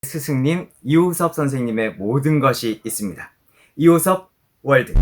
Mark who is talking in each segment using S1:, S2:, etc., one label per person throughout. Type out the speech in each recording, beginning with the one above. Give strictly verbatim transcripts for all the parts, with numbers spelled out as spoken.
S1: 스승님 이호섭 선생님의 모든 것이 있습니다. 이호섭 월드.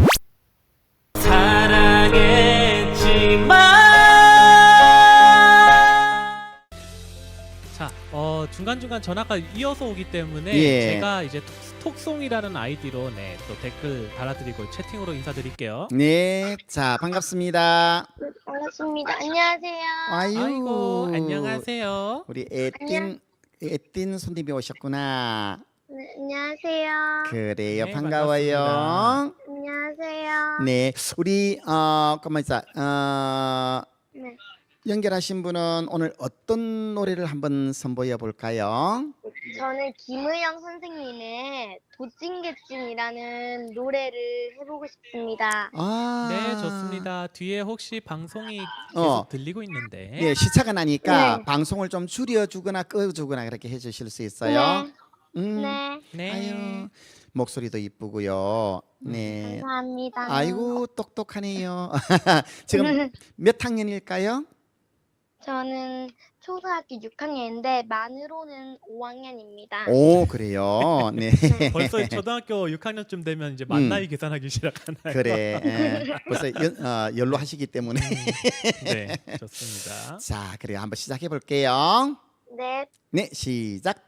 S2: 자, 어, 중간중간 전화가 이어서 오기 때문에
S3: 예.
S2: 제가 이제 톡, 톡송이라는 아이디로 네, 또 댓글 달아드리고 채팅으로 인사드릴게요.
S3: 네, 자 반갑습니다.
S4: 반갑습니다. 안녕하세요.
S3: 아유,
S2: 아이고, 안녕하세요.
S3: 우리 에틴 에틴 손님이 오셨구나.
S4: 네, 안녕하세요.
S3: 그래요,
S2: 네,
S3: 반가워요.
S2: 반갑습니다.
S4: 안녕하세요.
S3: 네, 우리 어, 가만 있어. 어,
S4: 네.
S3: 연결하신 분은 오늘 어떤 노래를 한번 선보여 볼까요?
S4: 저는 김의영 선생님의 도찐개찐이라는 노래를 해보고 싶습니다.
S3: 아,
S2: 네, 좋습니다. 뒤에 혹시 방송이 계속
S3: 어.
S2: 들리고 있는데.
S3: 네, 시차가 나니까
S4: 네.
S3: 방송을 좀 줄여주거나 꺼주거나 그렇게 해주실 수 있어요?
S4: 네.
S3: 음,
S4: 네.
S2: 네.
S3: 아유, 목소리도 이쁘고요. 네.
S4: 감사합니다.
S3: 아이고 똑똑하네요. 지금 몇 학년일까요?
S4: 저는 초등학교 육 학년인데 만으로는 오 학년입니다.
S3: 오, 그래요. 네.
S2: 벌써 초등학교 육 학년쯤 되면 이제
S3: 음.
S2: 만 나이 계산하기 시작하나요?
S3: 그래. 에, 벌써 연, 어, 연로하시기 때문에.
S2: 네, 좋습니다.
S3: 자, 그래요. 한번 시작해 볼게요.
S4: 네.
S3: 네, 시작.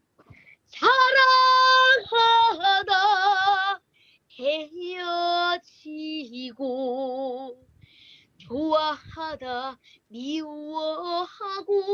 S4: 사랑하다 헤어지고 좋아하다 미워하고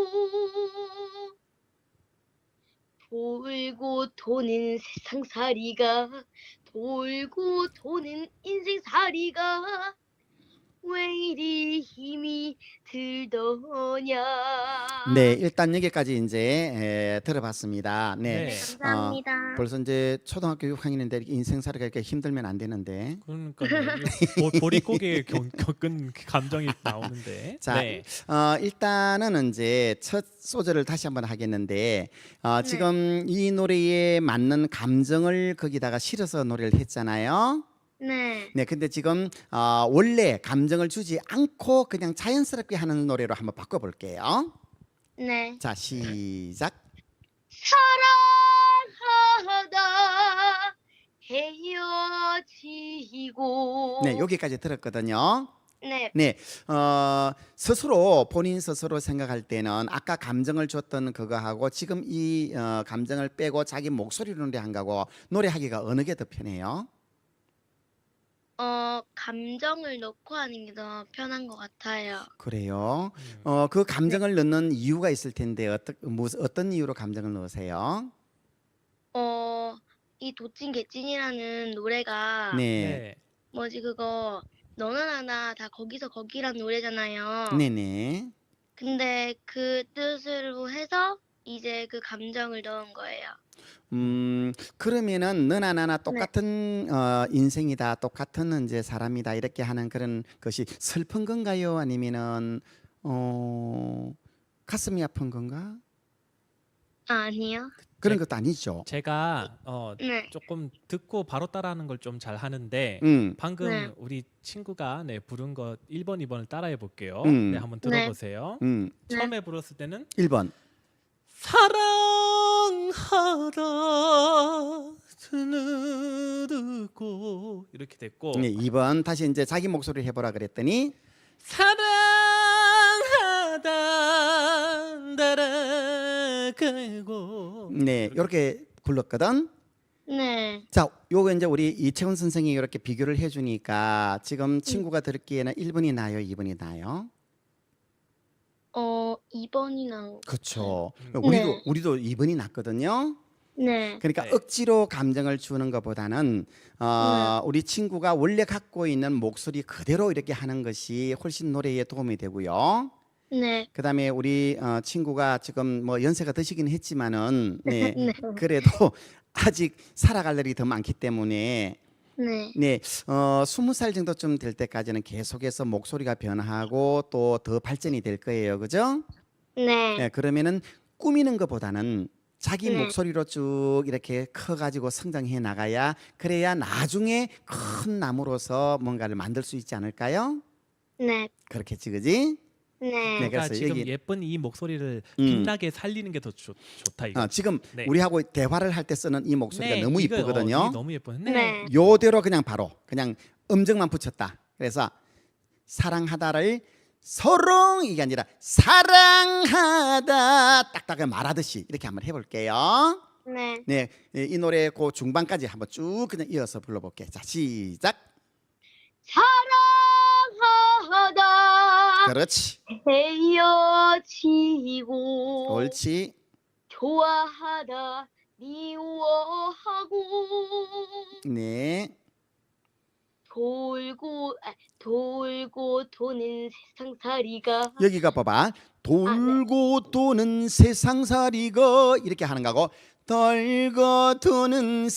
S4: 돌고 도는 세상살이가 돌고 도는 인생살이가 왜 이리 힘이 들더냐.
S3: 네, 일단 여기까지 이제 에, 들어봤습니다. 네.
S2: 네.
S4: 감사합니다.
S3: 벌써 이제 초등학교 육 학년인데 인생살이가 이렇게 힘들면 안 되는데.
S2: 그러니까요. 보- 보릿고개 겪- 겪은 감정이 나오는데.
S3: 자,
S2: 네.
S3: 어, 일단은 이제 첫 소절을 다시 한번 하겠는데 어,
S4: 네.
S3: 지금 이 노래에 맞는 감정을 거기다가 실어서 노래를 했잖아요.
S4: 네.
S3: 네, 근데 지금 어, 원래 감정을 주지 않고 그냥 자연스럽게 하는 노래로 한번 바꿔볼게요.
S4: 네.
S3: 자, 시작.
S4: 사랑하다 헤어지고.
S3: 네, 여기까지 들었거든요.
S4: 네.
S3: 네, 어, 스스로 본인 스스로 생각할 때는 아까 감정을 줬던 그거하고 지금 이 어, 감정을 빼고 자기 목소리로 노래한 거하고 노래하기가 어느 게 더 편해요?
S4: 어, 감정을 넣고 하는 게 더 편한 것 같아요.
S3: 그래요.
S2: 음.
S3: 어, 그 감정을 넣는 이유가 있을 텐데 어떤 무슨 어떤 이유로 감정을 넣으세요?
S4: 어, 이 도찐 개찐이라는 노래가
S3: 네,
S2: 네.
S4: 뭐지 그거 너나 나나 다 거기서 거기란 노래잖아요.
S3: 네, 네.
S4: 근데 그 뜻으로 해서 이제 그 감정을 넣은 거예요.
S3: 음, 그러면은 너나 나나 똑같은 어, 인생이다, 똑같은 이제 사람이다 이렇게 하는 그런 것이 슬픈 건가요? 아니면은 어, 가슴이 아픈 건가?
S4: 아, 아니요.
S3: 그런
S2: 네.
S3: 것도 아니죠.
S2: 제가 어,
S4: 네.
S2: 조금 듣고 바로 따라하는 걸 좀 잘 하는데
S3: 음,
S2: 방금
S4: 네.
S2: 우리 친구가 네, 부른 거 일 번, 이 번을 따라해 볼게요.
S3: 음.
S2: 네, 한번
S4: 네.
S2: 들어보세요.
S3: 음,
S4: 네.
S2: 처음에 불었을 때는
S3: 일 번.
S2: 사랑하다 듣고 이렇게 됐고
S3: 네, 이 번 다시 이제 자기 목소리를 해보라 그랬더니
S2: 사랑하다 달아가고
S3: 네, 이렇게 불렀거든.
S4: 네.
S3: 자, 요거 이제 우리 이채훈 선생이 이렇게 비교를 해주니까 지금 친구가 들었기에는 일 번이 나요, 이 번이 나요?
S4: 어, 이 번이 나온.
S3: 그렇죠.
S2: 음.
S3: 우리도
S4: 네.
S3: 우리도 이 번이 났거든요.
S4: 네.
S3: 그러니까
S2: 네.
S3: 억지로 감정을 주는 것보다는 어, 우리 친구가 원래 갖고 있는 목소리 그대로 이렇게 하는 것이 훨씬 노래에 도움이 되고요.
S4: 네.
S3: 그다음에 우리 어, 친구가 지금 뭐 연세가 드시긴 했지만은 네,
S4: 네.
S3: 그래도 아직 살아갈 날이 더 많기 때문에
S4: 네.
S3: 네, 어, 스무 살 정도쯤 될 때까지는 계속해서 목소리가 변화하고 또 더 발전이 될 거예요, 그죠?
S4: 네.
S3: 네, 그러면은 꾸미는 것보다는 자기
S4: 네.
S3: 목소리로 쭉 이렇게 커가지고 성장해 나가야 그래야 나중에 큰 나무로서 뭔가를 만들 수 있지 않을까요?
S4: 네.
S3: 그렇겠지, 그지? 네,
S4: 네.
S3: 그래서
S2: 그러니까 지금
S3: 여기
S2: 예쁜 이 목소리를
S3: 음.
S2: 빛나게 살리는 게 더 좋다 이거.
S3: 어, 지금
S2: 네.
S3: 우리하고 대화를 할 때 쓰는 이 목소리가
S2: 네,
S3: 너무
S2: 이거,
S3: 이쁘거든요.
S2: 어, 이게 너무 예뻐요. 네.
S4: 네.
S3: 요대로 그냥 바로 그냥 음정만 붙였다. 그래서 사랑하다를 서롱 이게 아니라 사랑하다 딱딱하게 말하듯이 이렇게 한번 해볼게요.
S4: 네.
S3: 네, 이 노래 그 중반까지 한번 쭉 그냥 이어서 불러볼게요. 자, 시작.
S4: 사랑하다
S3: 그렇지,
S4: 헤어지고
S3: 옳지.
S4: 좋아하다 미워하고
S3: 네,
S4: 돌고 아, 돌고 도는 세상살이가
S3: 여기가 봐봐. 돌고 도는 세상살이가 이렇게 하는 거고 돌고 도는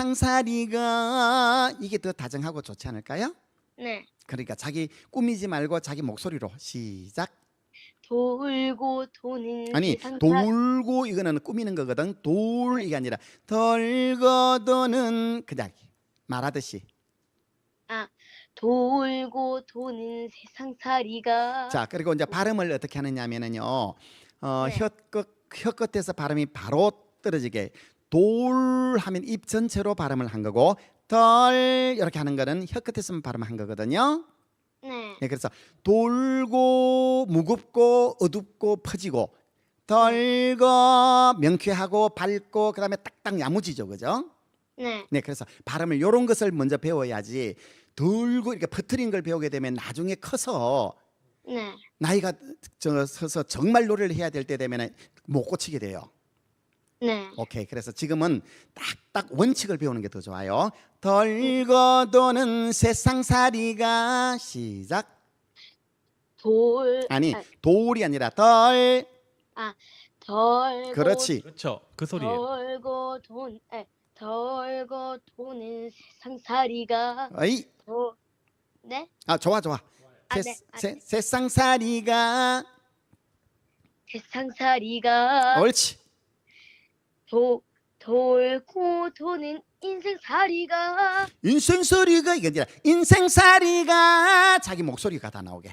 S3: 세상살이가 이게 더 다정하고 좋지 않을까요?
S4: 네.
S3: 그러니까 자기 꾸미지 말고 자기 목소리로 시작.
S4: 돌고 도는
S3: 아니
S4: 세상살
S3: 돌고 이거는 꾸미는 거거든. 돌 이게 아니라 돌고 도는 그냥 말하듯이.
S4: 아 돌고 도는 세상살이가
S3: 자 그리고 이제 발음을 어떻게 하느냐면은요. 어,
S4: 네.
S3: 혀끝 혀끝에서 발음이 바로 떨어지게 돌 하면 입 전체로 발음을 한 거고 덜 이렇게 하는 거는 혀끝에서만 발음을 한 거거든요.
S4: 네.
S3: 네, 그래서 돌고 무겁고 어둡고 퍼지고 덜고 명쾌하고 밝고 그다음에 딱딱 야무지죠, 그죠?
S4: 네.
S3: 네, 그래서 발음을 요런 것을 먼저 배워야지 돌고 이렇게 퍼트린 걸 배우게 되면 나중에 커서
S4: 네.
S3: 나이가 저 서서 정말 노래를 해야 될 때 되면 못 고치게 돼요.
S4: 네.
S3: 오케이. 그래서 지금은 딱딱 원칙을 배우는 게 더 좋아요. 덜고 도는 세상살이가 시작.
S4: 돌
S3: 아니
S4: 아,
S3: 돌이 아니라 덜.
S4: 덜고
S3: 그렇지.
S2: 그렇죠. 그 소리예요.
S4: 덜고 돈 아, 덜고 도는 세상살이가
S3: 어이.
S4: 더 네?
S3: 아 좋아 좋아.
S4: 아,
S3: 세,
S4: 네. 아,
S3: 세,
S4: 네.
S3: 세상살이가
S4: 세상살이가
S3: 옳지.
S4: 도 돌고 도는 인생살이가
S3: 인생살이가 이게 아니라 인생살이가 자기 목소리가 다 나오게.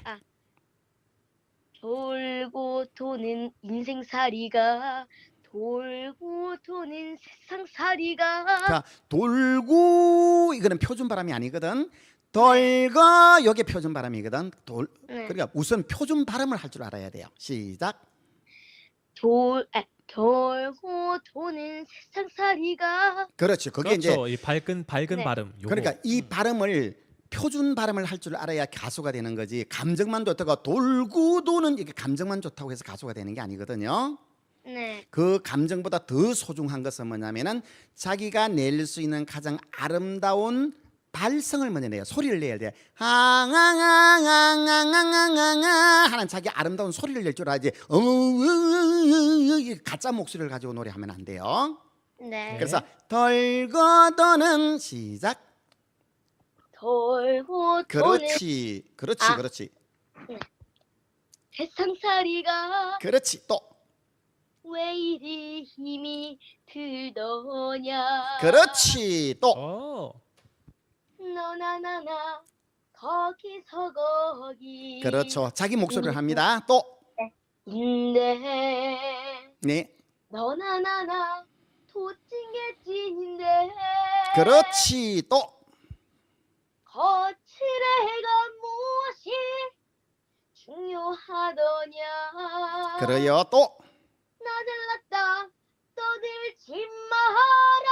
S4: 돌고 도는 인생살이가 돌고 도는 세상살이가
S3: 자 돌고 이거는 표준 발음이 아니거든. 돌고 요게 표준 발음이거든. 돌
S4: 네.
S3: 그러니까 우선 표준 발음을 할 줄 알아야 돼요. 시작.
S4: 돌 아, 돌고 도는 세상살이가
S3: 그렇지. 그게 이제
S2: 그렇죠. 이 밝은 밝은
S4: 네.
S2: 발음. 요거.
S3: 그러니까 이
S2: 음.
S3: 발음을 표준 발음을 할 줄 알아야 가수가 되는 거지. 감정만 좋다고 돌고 도는 이게 감정만 좋다고 해서 가수가 되는 게 아니거든요.
S4: 네.
S3: 그 감정보다 더 소중한 것은 뭐냐면은 자기가 낼 수 있는 가장 아름다운 발성을 먼저 내요. 소리를 내야 돼. 하하하하하하하하 하는 자기 아름다운 소리를 낼 줄 알아야지. 어으으으으 가짜 목소리를 가지고 노래하면 안 돼요.
S4: 네.
S3: 그래서 덜고 도는 시작.
S4: 돌고 도는
S3: 그렇지, 그렇지,
S4: 아.
S3: 그렇지,
S4: 세상살이가
S3: 그렇지. 또
S4: 왜 이리 힘이 들더냐
S3: 그렇지. 또
S2: 어.
S4: 너나 나나 거기서 거기
S3: 그렇죠. 자기 목소리를 합니다. 또
S4: 인데
S3: 네,
S4: 너나 나나 도찐개찐인데
S3: 그렇지. 또
S4: 거칠애가 무엇이 중요하더냐
S3: 그래요. 또
S4: 나들났다 떠들지 마라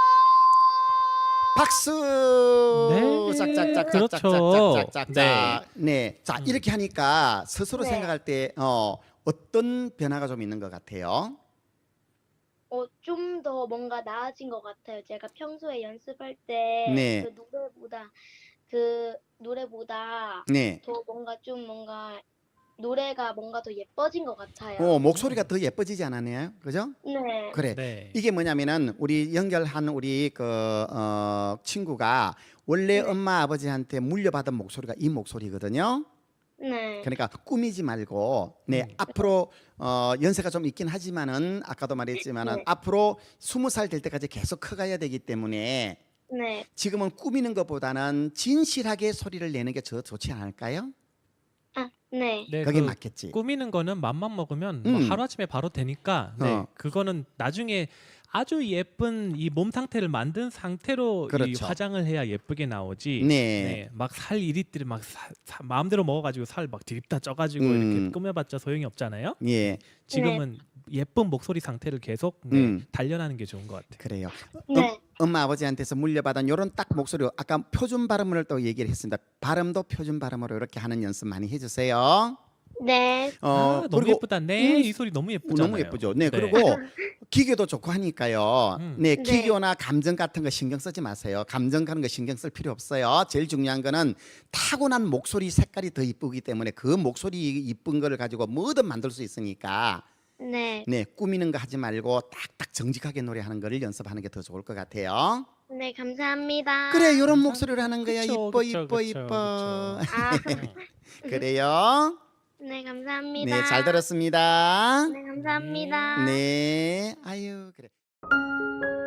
S3: 박수.
S2: 네.
S3: 짝짝짝짝짝짝짝짝짝.
S2: 그렇죠.
S3: 네. 자
S2: 음.
S3: 이렇게 하니까 스스로
S4: 네.
S3: 생각할 때 어, 어떤 변화가 좀 있는 것 같아요.
S4: 어, 좀 더 뭔가 나아진 것 같아요. 제가 평소에 연습할 때
S3: 네.
S4: 그 노래보다 그 노래보다
S3: 네.
S4: 더 뭔가 좀 뭔가 노래가 뭔가 더 예뻐진 것 같아요.
S3: 어, 목소리가 더 예뻐지지 않았나요? 그죠?
S4: 네.
S3: 그래.
S2: 네.
S3: 이게 뭐냐면은 우리 연결한 우리 그 어, 친구가 원래
S4: 네.
S3: 엄마 아버지한테 물려받은 목소리가 이 목소리거든요.
S4: 네.
S3: 그러니까 꾸미지 말고 네
S2: 음.
S3: 앞으로 어, 연세가 좀 있긴 하지만은 아까도 말했지만은
S4: 네.
S3: 앞으로 스무 살 될 때까지 계속 커가야 되기 때문에
S4: 네.
S3: 지금은 꾸미는 것보다는 진실하게 소리를 내는 게 더 좋지 않을까요?
S4: 아, 네.
S2: 네,
S3: 그게
S2: 그
S3: 맞겠지.
S2: 꾸미는 거는 맘만 먹으면 뭐
S3: 음.
S2: 하루아침에 바로 되니까 네,
S3: 어.
S2: 그거는 나중에 아주 예쁜 이 몸 상태를 만든 상태로 이
S3: 그렇죠.
S2: 화장을 해야 예쁘게 나오지.
S3: 네.
S2: 막 살 이리들이 막 사- 사- 마음대로 먹어가지고 살 막 디립다 쪄가지고
S3: 음.
S2: 이렇게 꾸며봤자 소용이 없잖아요.
S3: 예,
S2: 지금은 예쁜 목소리 상태를 계속 네,
S3: 음.
S2: 단련하는 게 좋은 것 같아요.
S3: 그래요.
S4: 네.
S3: 음, 엄마 아버지한테서 물려받은 요런 딱 목소리 아까 표준 발음을 또 얘기를 했습니다. 발음도 표준 발음으로 이렇게 하는 연습 많이 해주세요.
S4: 네.
S3: 어,
S2: 아, 너무
S3: 그리고
S2: 예쁘다. 네,
S3: 음,
S2: 이 소리 너무 예쁘잖아요.
S3: 너무 예쁘죠. 네, 그리고 기계도 좋고 하니까요.
S2: 음.
S3: 네,
S4: 네.
S3: 기교나 감정 같은 거 신경 쓰지 마세요. 감정 가는 거 신경 쓸 필요 없어요. 제일 중요한 거는 타고난 목소리 색깔이 더 이쁘기 때문에 그 목소리 이쁜 거를 가지고 뭐든 만들 수 있으니까
S4: 네.
S3: 네, 꾸미는 거 하지 말고 딱딱 정직하게 노래하는 거를 연습하는 게 더 좋을 것 같아요.
S4: 네, 감사합니다.
S3: 그래, 이런 목소리를 하는 거야.
S2: 그쵸,
S3: 이뻐,
S2: 그쵸,
S3: 이뻐,
S2: 그쵸,
S3: 이뻐.
S4: 아,
S3: 그래요.
S4: 네, 감사합니다.
S3: 네, 잘 들었습니다.
S4: 네, 감사합니다.
S3: 네, 아유, 그래.